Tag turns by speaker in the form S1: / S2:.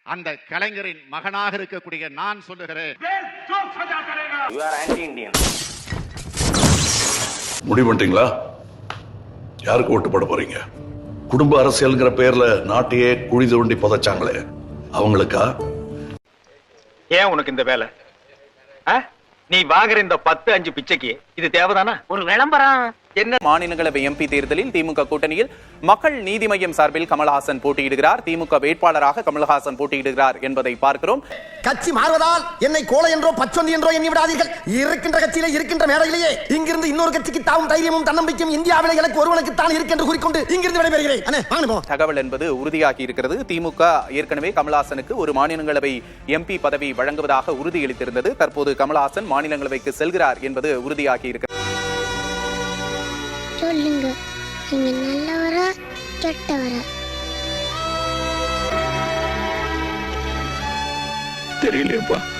S1: அந்த கலைஞரின் மகனாக இருக்கக்கூடிய நான் சொல்லுகிறேன்,
S2: முடிவு பண்ணிட்டீங்களா? யாருக்கு ஓட்டு போட போறீங்க? குடும்ப அரசியல்ங்கிற பேர்ல நாட்டையே குழி தோண்டி புதைச்சாங்களே அவங்களுக்கா?
S3: ஏன் உனக்கு இந்த வேலை? நீ வாங்குற இந்த 10-5 பிச்சைக்கு இது தேவைதானா? ஒரு விளம்பரம்.
S4: என்ன மாநிலங்களவை எம்பி தேர்தலில் திமுக கூட்டணியில் மக்கள் நீதி மய்யம் சார்பில் கமல்ஹாசன் போட்டியிடுகிறார். திமுக வேட்பாளராக கமல்ஹாசன் போட்டியிடுகிறார் என்பதை பார்க்கிறோம்.
S5: கட்சி மாறுவதால் என்னை கோலை என்றோ பச்சொந்தி என்றோ எண்ணி விடாதீர்கள். இருக்கின்ற கட்சியிலே இருக்கின்ற மேடையிலேயே இங்கிருந்து இன்னொரு கட்சிக்கு தாவும் தைரியமும் தன்னம்பிக்கையும் இந்தியாவிலே எனக்கு ஒருவனுக்கு தான் இருக்கின்ற கூறிக்கொண்டு இங்கிருந்து விடைபெறுகிறேன்.
S4: தகவல் என்பது உறுதியாகி இருக்கிறது. திமுக ஏற்கனவே கமல்ஹாசனுக்கு ஒரு மாநிலங்களவை எம்பி பதவி வழங்குவதாக உறுதியளித்திருந்தது. தற்போது கமல்ஹாசன் மாநிலங்களவைக்கு செல்கிறார் என்பது உறுதியாகி இருக்கிறது.
S6: சொல்லுங்க, நீங்க நல்லவரா கெட்டவரா?
S2: தெரியலையப்பா.